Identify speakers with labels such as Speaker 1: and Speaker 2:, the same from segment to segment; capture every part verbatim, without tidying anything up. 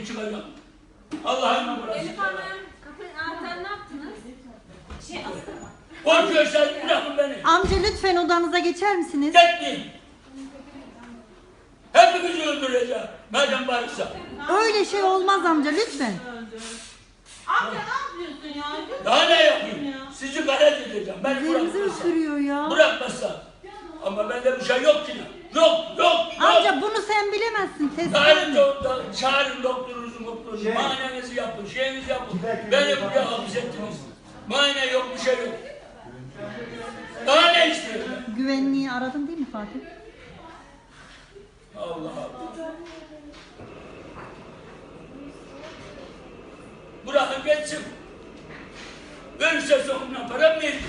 Speaker 1: gibi çıkacağım. Allah'ın burası.
Speaker 2: Elif Hanım, kapı anahtarı ne yaptınız? Şey astırma.
Speaker 1: Korkuyorsan bırakın beni.
Speaker 3: Amca lütfen odanıza geçer misiniz?
Speaker 1: Gitmeyin. Hepimizi öldüreceğim. Madem varsa.
Speaker 3: Öyle şey olmaz amca lütfen.
Speaker 4: Amca ne yapıyorsun ya?
Speaker 1: Daha ne yapayım? Sizi galet edeceğim. Beni
Speaker 3: Üzerimizi
Speaker 1: bırakmazsa.
Speaker 3: ısırıyor ya.
Speaker 1: Bırakmazsa. Ama bende bir şey yok ki. Yok, yok, yok.
Speaker 3: Amca bunu sen bilemezsin. Test
Speaker 1: Çağırın,
Speaker 3: edemem.
Speaker 1: doktor, çağırın doktorunuzu, doktorunuzu.
Speaker 5: Şey.
Speaker 1: Muayenenizi yapın, şeyinizi yapın. Beni buraya hapsettiniz. Muayene yok, bir şey yok. Daha ne istiyorsun?
Speaker 3: Güvenliği aradın değil mi Fatih?
Speaker 1: Allah Allah. Bırakın geçsin. Ölürse sonuna para mı verdiniz?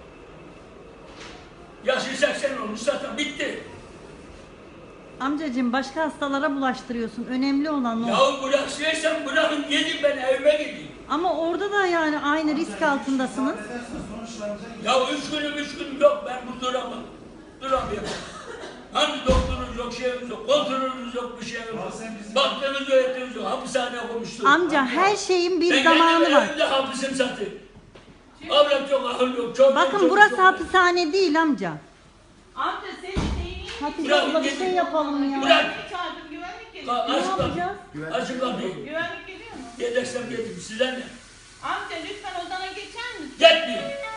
Speaker 1: Yaşı seksen olmuş zaten bitti.
Speaker 3: Amcacığım başka hastalara bulaştırıyorsun. Önemli olan o.
Speaker 1: Yahu bıraksaysan bırakın gidin ben evime gideyim.
Speaker 3: Ama orada da yani aynı risk altındasınız.
Speaker 1: Ya üç günüm üç günüm yok ben bu duramam. Duramıyorum. Hani doktorunuz yok, şeyimiz yok, kontrolünüz yok, bir şeyimiz yok. Baktığınız öğretiniz yok, hapishaneye koymuştur.
Speaker 3: Amca her şeyin bir
Speaker 1: ben
Speaker 3: zamanı
Speaker 1: kendim
Speaker 3: var.
Speaker 1: evimde hapisim zaten. Avrat yok, ahıl yok, çok
Speaker 3: Bakın
Speaker 1: çok,
Speaker 3: burası
Speaker 1: çok,
Speaker 3: hapishane değil amca.
Speaker 4: Amca senin şeyini
Speaker 3: Hatice
Speaker 1: Bırak,
Speaker 3: abla bir
Speaker 1: gidin.
Speaker 3: şey yapalım ya.
Speaker 1: Bırak.
Speaker 4: çağırdım güvenlik
Speaker 1: Ka-
Speaker 4: geliyor.
Speaker 3: Ne
Speaker 1: Aç kapıyı.
Speaker 3: yapacağız?
Speaker 1: Açın kapıyı.
Speaker 4: Güvenlik geliyor mu?
Speaker 1: Geleceksem gelin, size ne?
Speaker 4: Amca lütfen odana geçer misin?
Speaker 1: Gitmeyin.